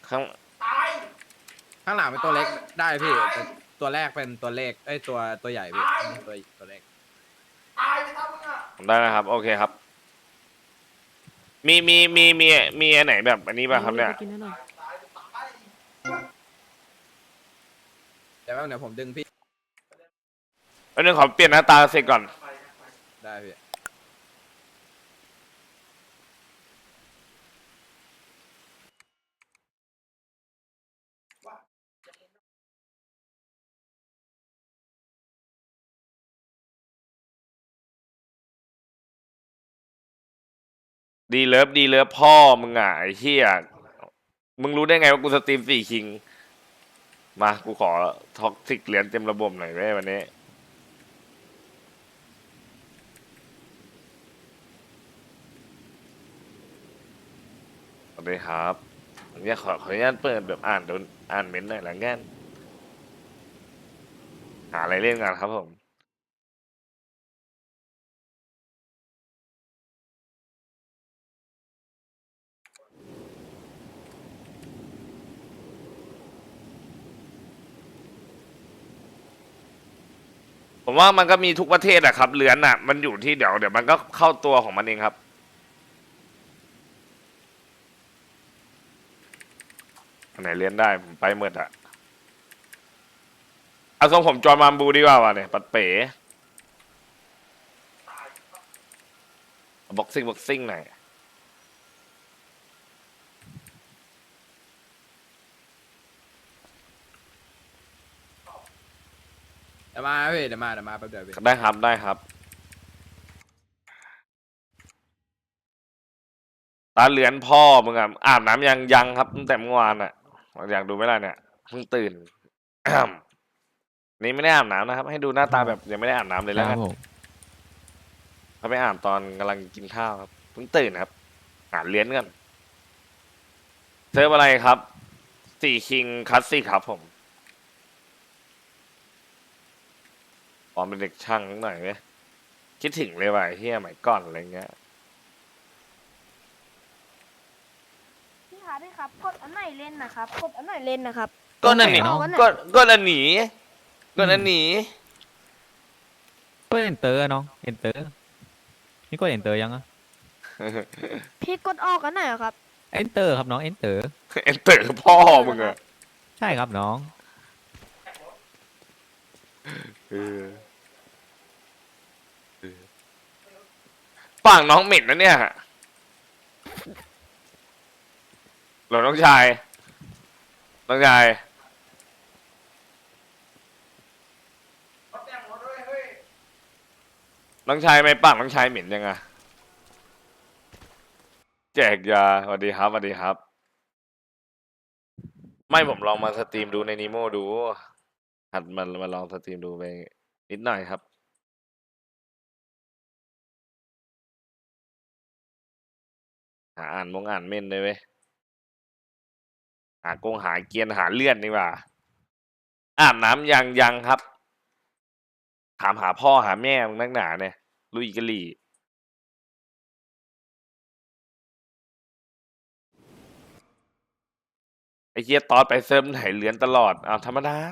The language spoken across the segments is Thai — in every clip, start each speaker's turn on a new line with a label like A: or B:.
A: ข้าง
B: ข้างหลังเป็นตัวเล็กได้พี่แต่ตัวแรกเป็นตัวเลขตัวใหญ่พี่ตัวเล็ก
A: ได้นะครับโอเคครับมีอันไหนแบบอันนี้ป่ะครับเนี่ย
B: เดี๋ยวผมดึงพี่
A: อันนึงขอเปลี่ยนหน้าตาเสร็จก่อน
B: ได้พี่
A: ดีเลิฟพ่อมึงอ่ะไอ้เหี้ยมึงรู้ได้ไงว่ากูสตรีม4 คิงมากูขอท็อกซิกเหรียญเต็มระบบหน่อยไว้วันนี้สวัสดีครับเนี่ยขออนุญาตเปิดแบบอ่านเม้นต์หน่อยละกันหาอะไรเล่นกันครับผมผมว่ามันก็มีทุกประเทศอะครับเหรียญอะมันอยู่ที่เดี๋ยวมันก็เข้าตัวของมันเองครับอันไหนเรียนได้ผมไปหมดอะเอาทรงผมจอร์นมามบูดีกว่าวะเนี่ยปัดเป๋บ็อกซิ่งหน่อย
B: เดี๋ยวมาพี่เดี๋ยวมาแป๊บเดียวพี่
A: ได้ครับตาเหรียญพ่อมึงอะอาบน้ำยังครับตั้งแต่เมื่อวานอะอยากดูไหมล่ะเนี่ยเพิ่งตื่น นี่ไม่ได้อาบน้ำนะครับให้ดูหน้าตาแบบยังไม่ได้อาบน้ำเลยแล้วกันเขาไปอาบตอนกำลังกินข้าวครับเพิ่งตื่นครับหาเหรียญกันเซิร์ฟอะไรครับ4 คิงคลาสสิกครับผมตอนเป็นเด็กช่างนิดหน่อยไหมคิดถึงเลยว่ะไอ้เฮียสมัยก่อนอะไรเงี้ย
C: พี่ครับกดอันไหนเล่นนะครับกดอันไหนเล่นนะครับ
A: ก็นั่นนี่
C: เอาอันไหน
A: ก็อันหนีก็อันหนี
D: ก็เอนเตอร์น้องเอนเตอร์นี่ก็เอนเตอร์ยังอะ
C: พี่กดออกอันไหนอะครับ
D: เอนเตอร์ครับน้องเอนเตอร์
A: เอ็นเตอร์พ่อมึงอะ
D: ใช่ครับน้อง
A: เออฝั่งน้องเหม็นนะเนี่ยหลวน้องชายน้องชายน้องชายไม่ปากน้องชายเหม็นยังอะแจกยาสวัสดีครับสวัสดีครับ ไม่ผมลองมาสตรีมดูในนีโมดูหัดมันมาลองสตรีมดูไปนิดหน่อยครับอ่านเม่นเลยเว้ยหาเกียนหาเลื่อนดีกว่าอาบน้ำยังครับถามหาพ่อหาแม่มึงนักหนาเนี่ยลุยกะลี่ไอ้เจี๊ยตอดไปเซิร์ฟไหนเลือนตลอดธรรมดา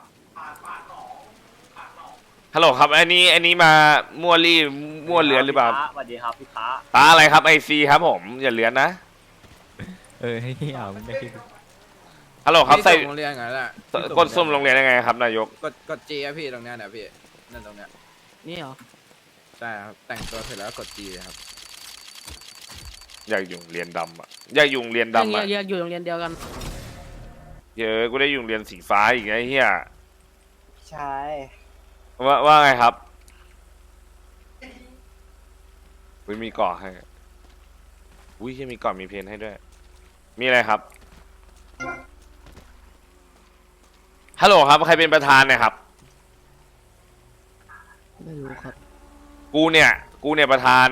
A: ฮัลโหลครับอันนี้มามั่วรี่มั่วเลือนหรือเปล่า
E: สวัสดีครับพี่ค้า
A: ตาอะไรครับICครับผมอย่าเลือนนะ
D: ให้ที่เอามันได้ที่
A: ฮัลโหลครับใส่
B: โรงเรียนไงล่ะ
A: กดซุ่มโรงเรียนยังไงครับนายก
B: กดจีอะพี่ตรงเนี้ยเนี่ยพี่นั่นตรงเนี้ย
C: นี่เหรอ
B: ใช่ครับแต่งตัวเสร็จแล้วกดจีครับ
A: อยากอยู่โรงเรียนดำอ่ะอยากอยู่โรงเรียนดำอ่ะ
C: อยากอยู่โรงเรียนเดียวกัน
A: เยอะกูได้อยู่โรงเรียนสีฟ้าอีกไอ้เหี้ย
E: ใช่
A: ว่าไงครับอุ้ยมีเกาะให้อุ้ยยังมีเกาะมีเพนให้ด้วย มีอะไรครับฮัลโหลครับใครเป็นประธานเนี่ยครับ
C: ไม่รู้ครับ
A: กูเนี่ยประธาน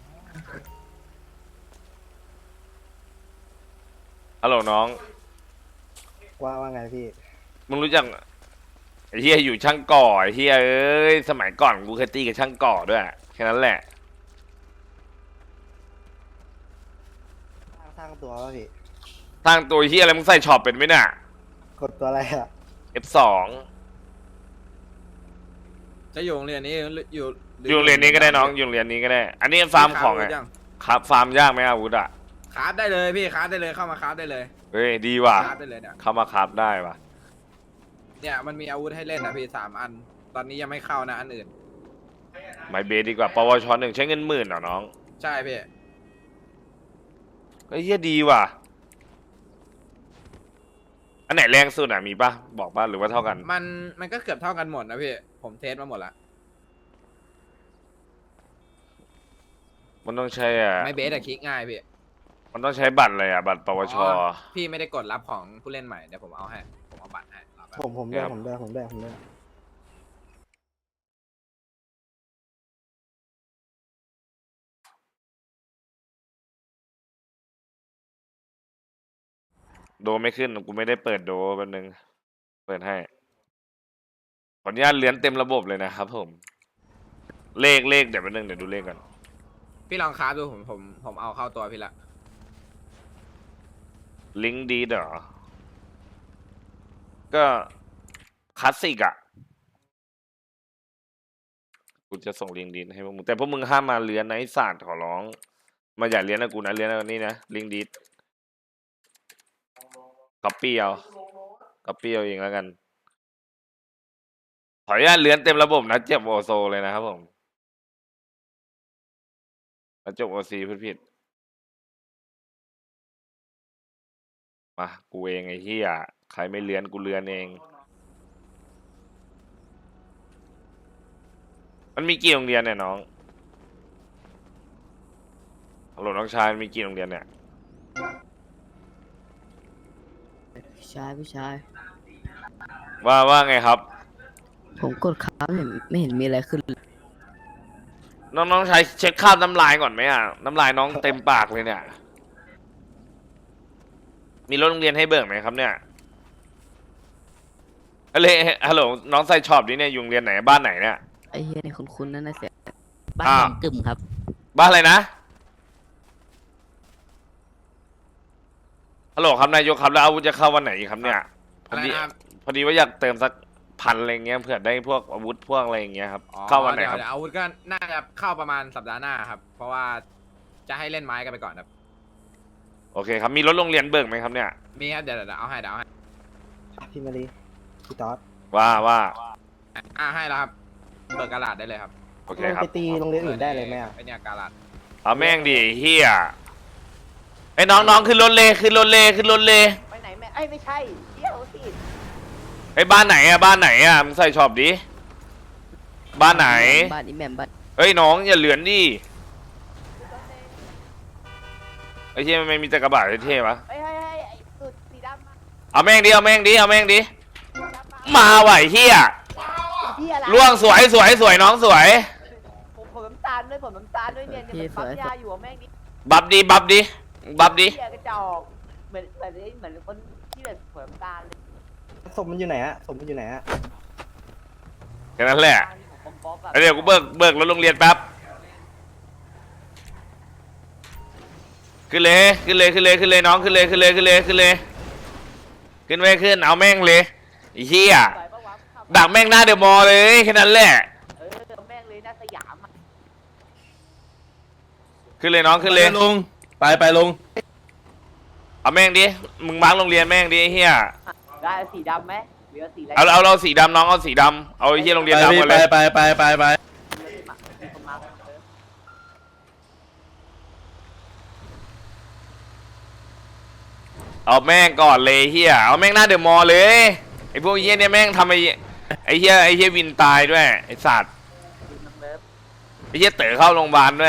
A: ฮัลโหลน้อง
E: ว่าไงพี่
A: มึงรู้จักไอ้เฮียอยู่ช่างก่อไอ้เฮียเอ้ยสมัยก่อนกูเคยตีกับช่างก่อด้วยแค่นั้นแหละ
E: สร้างตัวป่ะพี่
A: สสร้างตัวเฮียอะไรมึงใส่ช็อปเป็นไหมเนี่ย
E: กดตัวอะไรอะ
A: F2
B: จะอยู่โรงเรียนนี้อยู่
A: อยู่โรงเรียนนี้ก็ได้น้องอยู่โรงเรียนนี้ก็ได้ อันนี้ฟาร์มของไง
B: ยัง
A: ครับฟาร์มยากไหมอาวุธอ่ะ
B: คราฟได้เลยพี่คราฟได้เลยเข้ามาคราฟได้เลย
A: เฮ้ยดีว่ะ
B: คราฟได้เลยเนี่ย
A: เข้ามาครับได้ว่ะ
B: เนี่ยมันมีอาวุธให้เล่นนะพี่3 อัน ตอนนี้ยังไม่เข้านะอันอื่น
A: ไมเบสดีกว่าปวช1ใช้เงิน10,000เหรอน้อง
B: ใช่พี่
A: เฮ้ยเฮียดีว่ะ อันไหนแรงสุดอ่ะมีปะบอกปะหรือว่าเท่ากัน
B: มันก็เกือบเท่ากันหมดนะพี่ผมเทสมาหมดละ
A: มันต้องใช้อ่ะ
B: ไม่เบสอะคลิกง่ายพี่
A: มันต้องใช้บัตรอะไรอ่ะบัตรปวช
B: อ๋อพี่ไม่ได้กดรับของผู้เล่นใหม่เดี๋ยวผมเอาให้ผมเอาบัตรให้รับไป
E: ผมด้วยผมด้วยผมด้วยผมด้วย
A: โดไม่ขึ้นกูไม่ได้เปิดโดแป๊บนึงเปิดให้ขออนุญาตเลื่อนเต็มระบบเลยนะครับผม เลขเดี๋ยวแป๊บนึงเดี๋ยวดูเลขก่อน
B: พี่ลองคราฟดูผมเอาเข้าตัวพี่ละ
A: ลิงก์ดีเหรอ ก็คลาสสิกอ่ะ กูจะส่งลิงก์ดีให้พวกมึงแต่พวกมึงห้ามมาเลี้ยนนะไอ้ศาสตร์ขอร้อง มาอย่าเลี้ยนนะกูนะเลี้ยนนะนี่นะลิงก์ดีก๊อปปี้เอาเองแล้วกัน ขออนุญาตเลื่อนเต็มระบบนะเจ็บโอโซเลยนะครับผมแล้วจบโอซีพูดผิดมากูเองไอ้เหี้ยใครไม่เลื่อนกูเลื่อนเอง มันมีกี่โรงเรียนเนี่ยน้องฮัลโหลน้องชายมีกี่โรงเรียนเนี่ย
C: พี่ชายพี่ชาย
A: ว่าไงครับ
C: ผมกดค้างไม่เห็นมีอะไรขึ้นเลย
A: น้องชายเช็คค่าบน้ำลายก่อนไหมอ่ะน้ำลายน้องเต็มปากเลยเนี่ย มีรถโรงเรียนให้เบิกไหมครับเนี่ยฮัลโหลน้องใส่ช็อปนี่เนี่ยอยู่โรงเรียนไหนบ้านไหนเนี่ย
C: ไอ้เฮียในคุ้นๆนั่นนะเสียบ้าน
A: อ้าว
C: หนองกึ่มครับ
A: บ้านอะไรนะฮัลโหลครับนายกครับแล้วอาวุธจะเข้าวันไหนอีกครับเนี่ยพ
B: อะ
A: อ
B: ไร
A: ดี
B: นะครับ
A: พอดีว่าอยากเติมสัก1,000อะไรเงี้ยเผื่อได้พวกอาวุธพวกอะไรอย่างเงี้ยครับ
B: อ๋อ
A: เข้าวันไหนครับ
B: เดี๋ยวอาวุธก็น่าจะเข้าประมาณสัปดาห์หน้าครับ เพราะว่าจะให้เล่นไม้กันไปก่อนครับ
A: โอเคครับมีรถโรงเรียนเบิกไหมครับเนี่ย
B: มีครับเดี๋ยวเอาให้
E: พี่มารีพี่ต๊อด
A: ว่า
B: ให้แล้วครับเบิกกระดาษได้เลยครับ
A: โอเค
E: ลง
A: ครับ
E: ไปตีโรงเรียนอื่นได้เลยไหมอะ
B: ไอเนี่ยกระดาษ
A: เอาแม่งดิเฮียไอ้น้องขึ้นรถเลยขึ้นรถเลย
F: ไปไหนแม่ไอ้ยไม่ใช่เที่ยวสิ
A: ไอ้บ้านไหนอะมึงใส่ช็อปดิบ้านไหน
C: บ้านอีแหม่มบ้าน
A: เอ้ยน้องอย่าเหลือนดิไอ้เฮียมันมีแต่กระบะเท่ๆวะ
F: ไอ้ไอ้สุดสีดำมา
A: เอาแม่งดิมาไหวเฮีย
F: ที่อะไร
A: ล่วงสวยน้องสวย
F: ผมน้ำตาลด้วยผมน้ำตาลด้วยเนี่ยมันปั๊มยาอยู่อะแม่งนี่
A: บับดิ
F: เหี้ยกระจอกเหมือนคนที่แบบผมน้ำตาลเลย
E: ศพมันอยู่ไหนฮะศพมันอยู่ไหนฮะ
A: แค่นั้นแหละ
F: ผมป๊อกอะ
A: เดี๋ยวกูเบิกรถโรงเรียนแป๊บขึ้นเลยน้องขึ้นเลยเอาแม่งเลยไอ้เหี้ย
F: ปล่อยปะวะขับ
A: ดักแม่งหน้าเดอะมอลล์เลยแค่นั้นแหละ
F: แม่งเลยหน้าสยามอะ
A: ขึ้นเลยน้องขึ้นเลย
G: ลุงไปลุง
A: เอาแม่งดิมึงมาร์กโรงเรียนแม่งดิไอ้เหี้ย
F: ได้สีดำไหมเหลือสีอะไร
A: เอาสีดำน้องเอาสีดำเอาไอ้เหี้ยโรงเรียน
G: ไป
A: ดำหมดเลย
G: ไป
F: มีคนมา
A: เอาแม่งก่อนเลยเหี้ยเอาแม่งหน้าเดอะมอลล์เลยไอ้พวกเหี้ยเนี่ยแม่งทำไอ้เหี้ยวินตายด้วยไอ้สัตว์
F: น้ำเลิฟ
A: ไอ้เหี้ยเต๋อเข้าโรงพยาบาลด้วย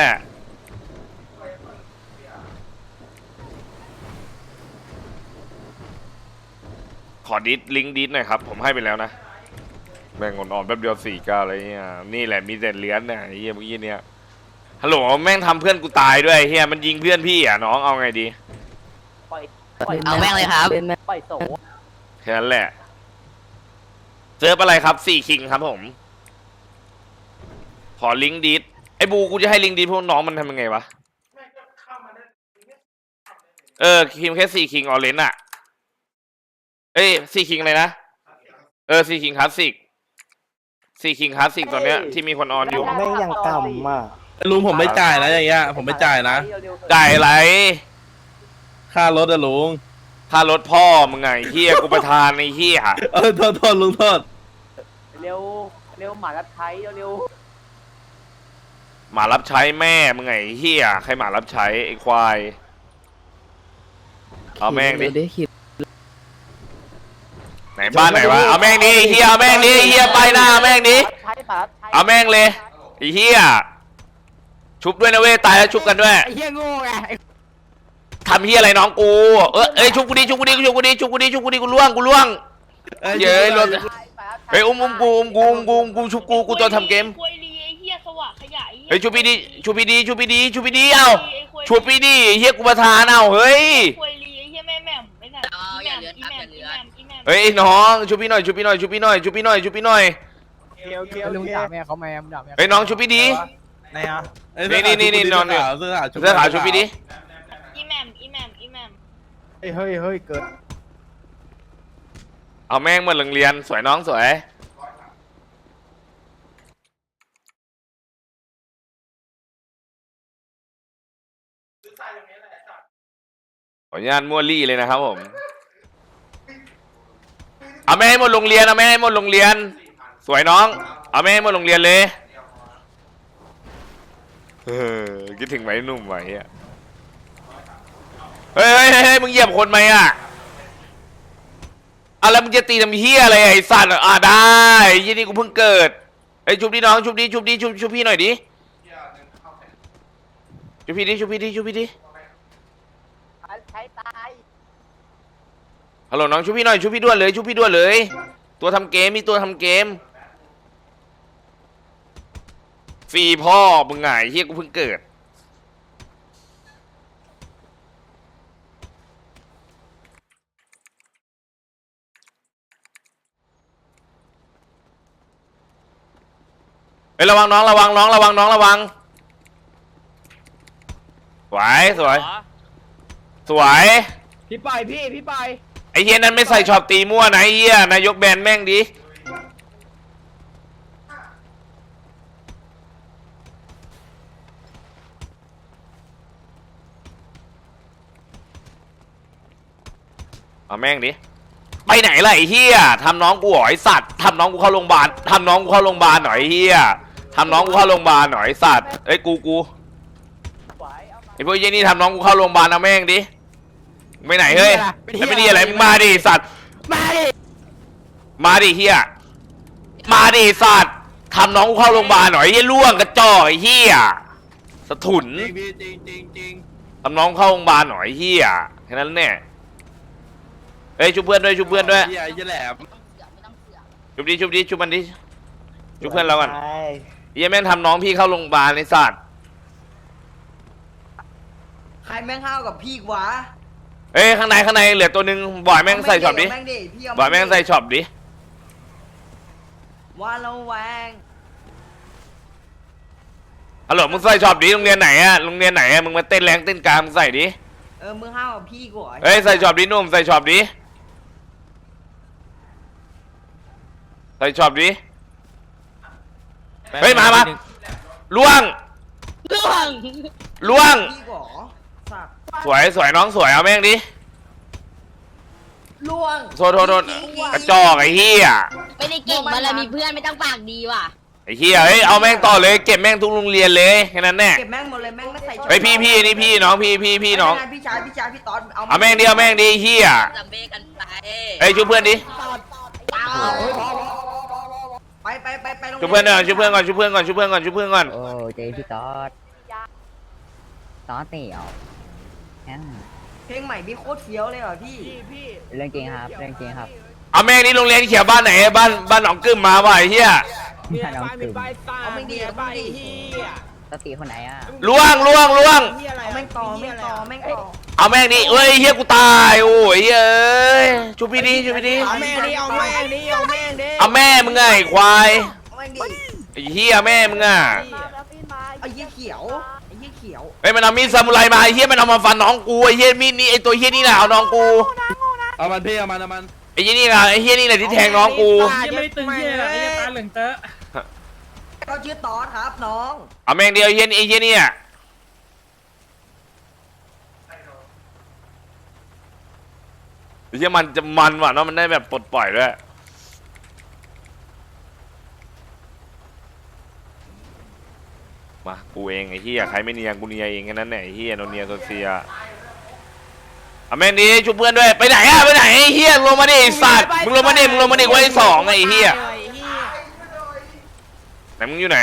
A: ขอลิงก์ดิสหน่อยครับผมให้ไปแล้วนะแม่งอ่อนๆแป๊บเดียว4-9อะไรเงี้ยนี่แหละมีแต่เหรียญเนี่ยไอ้เหี้ยเมื่อกี้เนี่ยฮัลโหลแม่งทำเพื่อนกูตายด้วยไอ้เหี้ยมันยิงเพื่อนพี่อ่ะน้องเอาไงดี
F: ปล่อย
C: เอาแม่งเลยครับ
F: ปล่อยโส
A: แค่นั้นแหละเซิร์ฟอะไรครับ4 คิงครับผม ขอลิงก์ดิสไอ้บูกูจะให้ลิงก์ดิสพวกน้องมันทำยังไงวะคิมแค่4คิงออเรนจ์อะเอ้ย4คิงอะไรนะ4คิงคลาสสิก4คิงคลาสสิกตอนเนี้ยที่มีคนออนอยู่
E: แม่งยังกำอ่ะ
G: ลุงผมไม่จ่ายนะอย่างเงี้ยผมไม่จ่ายนะ
A: จ่ายอะไร
G: ค่ารถอะลุง
A: ค่ารถพ่อมึงไงเฮียกูประทานในเฮีย
G: โทษลุงโทษ
F: เร็วเร็วหมารับใช้เร็ว
A: หมารับใช้แม่มึงไงเฮียใครหมารับใช้ไอ้ควายเอาแม่งดิ
C: ได้คิด
A: ไหนบ้านไหนวะเอาแม่งดิเฮียเอาแม่งดิเฮียไปหน้าเอาแม่งดิ
F: ใช้หมารับใช้
A: เอาแม่งเลยไอ้เฮียชุบด้วยนะเว้ยตายแล้วชุบกันด้วย
B: ไอ้เหี้ยโง่ไง
A: ทำเฮียอะไรน้องกูเอ้ยชุบกูดิชุบกูดิชุบกูดิชุบกูดิชุบกูดิกูล่วงเย้ยรถเฮ้ยอุ้มกูชุบกูตัวทำเกม
H: ควยลีไอ้เหี้ยสว่างขยะ
A: เฮ้ยชุบพี่ดิชุบพี่ดิชุบพี่ดิชุบพี่ดิเอ้าชุบพี่ดิเฮียกูประทานเอ้าเฮ้ย
H: ควยลีไอ้เหี้ยแม่แม่ไม่น่ะอีแม่อีแม่อีแม่อีแม่
A: เฮ้ยน้องชุบพี่หน่อยชุบพี่หน่อยชุบพี่หน่อยชุบพี่หน่อยชุบพี่หน่อย
B: ลุงด่าแม่เขาแม่ด่าแม่
A: เฮ้ยน้องชุบพี่ดิ
G: ไหนอ่ะ
A: นี่นอนอยู่
G: เสื้อ
A: เสื้อขาวชุบพี่ดิ
H: อีแม่อีแม่อีแม่
B: เฮ้ยเกิด
A: เอาแม่งมาโรงเรียนสวยน้องสวยขออนุญาตมั่วลี่เลยนะครับผมเอาแม่ให้หมดโรงเรียนเอาแม่ให้หมดโรงเรียนสวยน้องเอาแม่ให้หมดโรงเรียนเลยคิดถึงไหมหนุ่มไหมอ่ะเฮ้ยมึงเหยียบคนไหมอ่ะแล้วมึงจะตีทำเฮียอะไรไอ้สัตว์ได้ยี่นี่กูเพิ่งเกิดไอ้ชุบดิน้องชุบดิชุบพี่หน่อยดิชุบพี่ดิ
F: ใช้ตาย
A: ฮัลโหลน้องชุบพี่หน่อยชุบพี่ด่วนเลย ตัวทำเกมมีตัวทำเกมฟรีพ่อมึงไงเฮียกูเพิ่งเกิดเฮ้ยระวังน้องระวังสวย
B: พี่ไปพี่ไป
A: ไอ้เฮียนั้นไม่ใส่ช็อปตีมั่วนะไอ้เฮียนายกแบนแม่งดิเอาแม่งดิไปไหนล่ะไอ้เฮียทำน้องกูหน่อยไอ้สัตว์ทำน้องกูเข้าโรงพยาบาลหน่อยไอ้เฮียทำน้องกูเข้าโรงพยาบาลหน่อยไอ้สัตว์เอ้ยกูไอ้พวกเหี้ยนี่ทำน้องกูเข้าโรงพยาบาลเอาแม่งดิไปไหนเฮ้ยไม่ดีอะไรมึงมาดิสัตว์มาดิเฮียมาดิสัตว์ทำน้องกูเข้าโรงพยาบาลหน่อยไอ้เฮียล่วงกระจอกไอ้เฮียสะถุน
G: จริง
A: ทำน้องเข้าโรงพยาบาลหน่อยไอ้เฮียแค่นั้นแน่เฮ้ยชุบเพื่อนด้วย
G: เหี้ยแหลม
A: ชุบมันดิชุบเพื่อนเราก่อน
E: ไป
A: เฮียแม่งทำน้องพี่เข้าโรงพยาบาลไอ้สัตว์
I: ใครแม่งห้าวกับพี่วะ
A: เอ้ยข้างในเหลือตัวหนึ่งบ่อยแม่งใส่ช็อปดิ
I: แม่งดิพี่เอา
A: บ่อยแม่งใส่ช็อปดิ
I: ว่าเราแวง
A: ฮัลโหลมึงใส่ช็อปดิโรงเรียนไหนอะมึงมาเต้นแรงเต้นกลางมึงใส่ดิ
I: มึงห้าวกับพี่กูเหรอ
A: เฮ้ยใส่ช็อปดิหนุ่มใส่ช็อปดิเฮ้ยมาล่วง
I: พี่กูเหรอสัตว์
A: สวยน้องสวยเอาแม่งดิ
I: ล่วง
A: โทษกระจอกไอ้เหี้ย
H: ไม่ได้เก่งมาเลยมีเพื่อนไม่ต้องปากดีว่ะ
A: ไอ้เหี้ยเฮ้ยเอาแม่งต่อเลยเก็บแม่งทุกโรงเรียนเลยแค่นั้นแน่
I: เก็บแม่งหมดเลยแม่งไม่ใส่ชุด
A: เฮ้ยพี่นี่พี่น้องพี่น้อง
I: พี่ชายพี่ตอน
A: เอาแม่งดิเหี้ย
H: จำเบกันไป
A: เฮ้ยช่วยเพื่อนดิ
I: ไปโรง
A: ช่วยเพื่อนก่อนช่วยเพื่อนก่อน
C: โอ้เจพี่ต๊อดเตี่ยว
I: เพลงใหม่พี่โคตรเฟี้ยวเลยเหรอพี่
C: เรื่องจริงครับ
A: เอาแม่งนี่โรงเรียนเขียวบ้านไหนบ้านหนองกึ่มมาว่ะไอ้เหี้ย
I: เอาไม่ดีเอาไม่ดี
C: ตติคนไหนอ่ะ
A: ล่วง
I: เอาแม่งต่อ
A: เอาแม่งดิเอ้ยเหี้ยกูตายโอ้ยเอ้ยช่วยพี่ดิ
I: เอาแม่งดิเอาแม่งดิ
A: เอาแม่มึงไงควาย
I: เอาแม่งดิ
A: ไอ้เหี้ยแม่มึงอ่ะ
I: ไอ้ยี่เขียว
A: เฮ้ยมันเอามีดซามูไรมาไอ้เฮียมันเอามาฟันน้องกูไอ้เฮียมีดนี่ไอ้ตัวเฮียนี่น่ะเอาน้องกู
G: เอามันพี่เอามัน
A: ไอ้เฮียนี่น่ะไอ้เฮียนี่น่ะที่แทงน้องกู
B: ยังไม่ตึงเหี้ยอะไรไอ้ตาเหลืองเตอะ
I: เขาชื่อตอสครับน้อง
A: เอาแม่งเดียวไอ้เฮียนี่ไอ้เฮียนี่อ่ะไอ้เฮียมันจะมันว่ะเนาะมันได้แบบปลดปล่อยด้วยมากูเองไอ้เฮียใครไม่เนียกูเนียเองแค่นั้นแหละไอ้เฮียโนเนียโซเซียเอาแม่งดีช่วยเพื่อนด้วยไปไหนอะไปไหนไอ้เฮียลงมาดิไอ้สัตว์มึงลงมาดิมึงลงมาดิไว้สองไอ้เฮียไหนมึงอยู่ไหน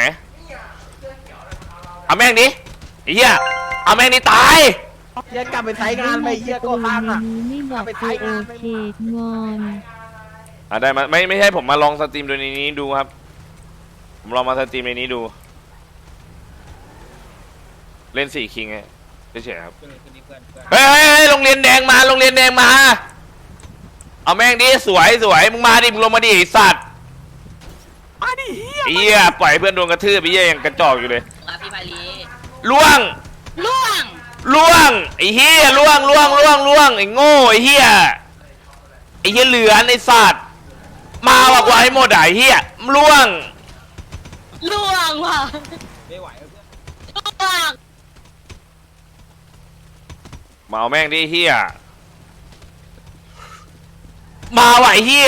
A: เอาแม่งดิไอ้เฮียเอาแม่งดิตาย
B: เหี้ยกลับไปใช้งานไปเหี้ยก็ข้างอ่ะ
J: ไม่บอกคือโอเคงอน
A: ได้มาไม่ใช่ผมมาลองสตรีมดูในนี้ดูครับผมลองมาสตรีมในนี้ดูเล่น4 คิงไงเฉยๆครับเฮ้ยโรงเรียนแดงมาโรงเรียนแดงมาเอาแม่งดิสวยมึงมาดิมึงลงมาดิไอ้สัตว์มาดิเฮียปล่อยเพื่อนโดนกระทืบไปเฮียยังกระจอกอยู่เลย
H: พี่มาลี
A: ล่วงไอ้เฮียล่วงไอ้โง่ไอ้เฮียเหลือไอ้สัตว์มาว่ะกว่าให้หมดไอ้เฮียล่วง
H: ว่ะ
B: ไม่ไหว
H: ล่วง
A: มาเอาแม่งดิเฮียมาไหวเฮีย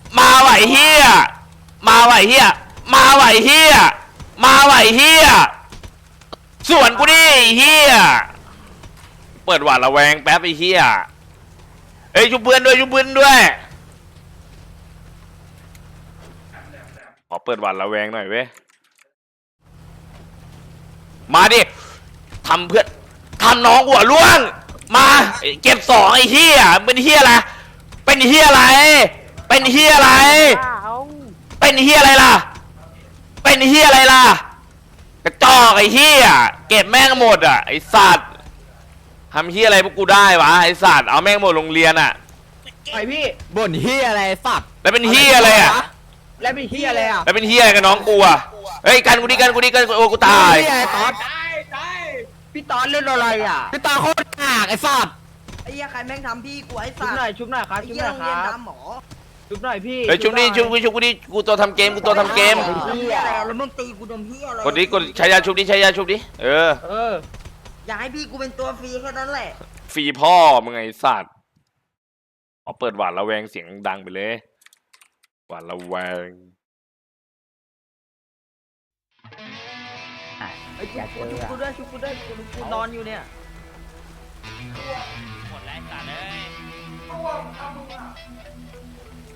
A: ส่วนกูดิเฮียเปิดหวาดระแวงแป๊บไอ้เฮียเอ้ยชุบเพื่อนด้วยขอเปิดหวาดระแวงหน่อยเว้ยมาดิทำเพื่อนทำน้องหัวล่วงมาเก็บ2ไอ้เฮียเป็นเฮียอะไรล่ะเป็นเฮียอะไรล่ะกระจอกไอ้เฮียเก็บแม่งหมดอ่ะไอ้สัตว์ทำเฮียอะไรพวกกูได้วะไอ้สัตว์เอาแม่งหมดโรงเรียนอ่ะ
B: ไอพี่บ่นเหี้ยอะไรสัตว์
A: แล้วเป็นเฮียอะไรอ่ะ
B: แล้วเป็นเหี้ยอะไรอ่ะ
A: แล้วเป็นเฮียอะไรกับน้องกูอ่ะเฮ้ยกันกูดิโอ้กูตาย
B: เหี้ยตอสพี่ตอสเล่นอะไรอ่ะพี่ตอสโคตรกากไอ้สัตว์
I: ไอ้เหี้ยใครแม่งทำพี่กูไอ้
B: ชุ
I: สั
B: บ
I: ตว์
B: หน่อยครับ
I: ไอ้
B: ชุบ
I: เหี้
B: ห
I: ย
B: น่อย
I: โรง
B: ค
I: เรียน
B: รับ
I: ดำหมอ
B: ชุบหน่อยพี่
A: เฮ้ยชุบดิกูตัวทำเกม
I: เหี้ยแล้วมึงตีกูโดนเหี้ยอะไร
A: กดใช้ยาชุบดิเออ
I: อยากให้พี่กูเป็นตัวฟรีแค่นั้นแหละ
A: ฟรีพ่อมึงไงสัตว์ขอเปิดหวาดระแวงเสียงดังไปเลยหวาดระแวง
I: ไอ้ชุบกูด้วยกูนอนอยู่เนี่ย
H: หมดแล้วสัตว์เลย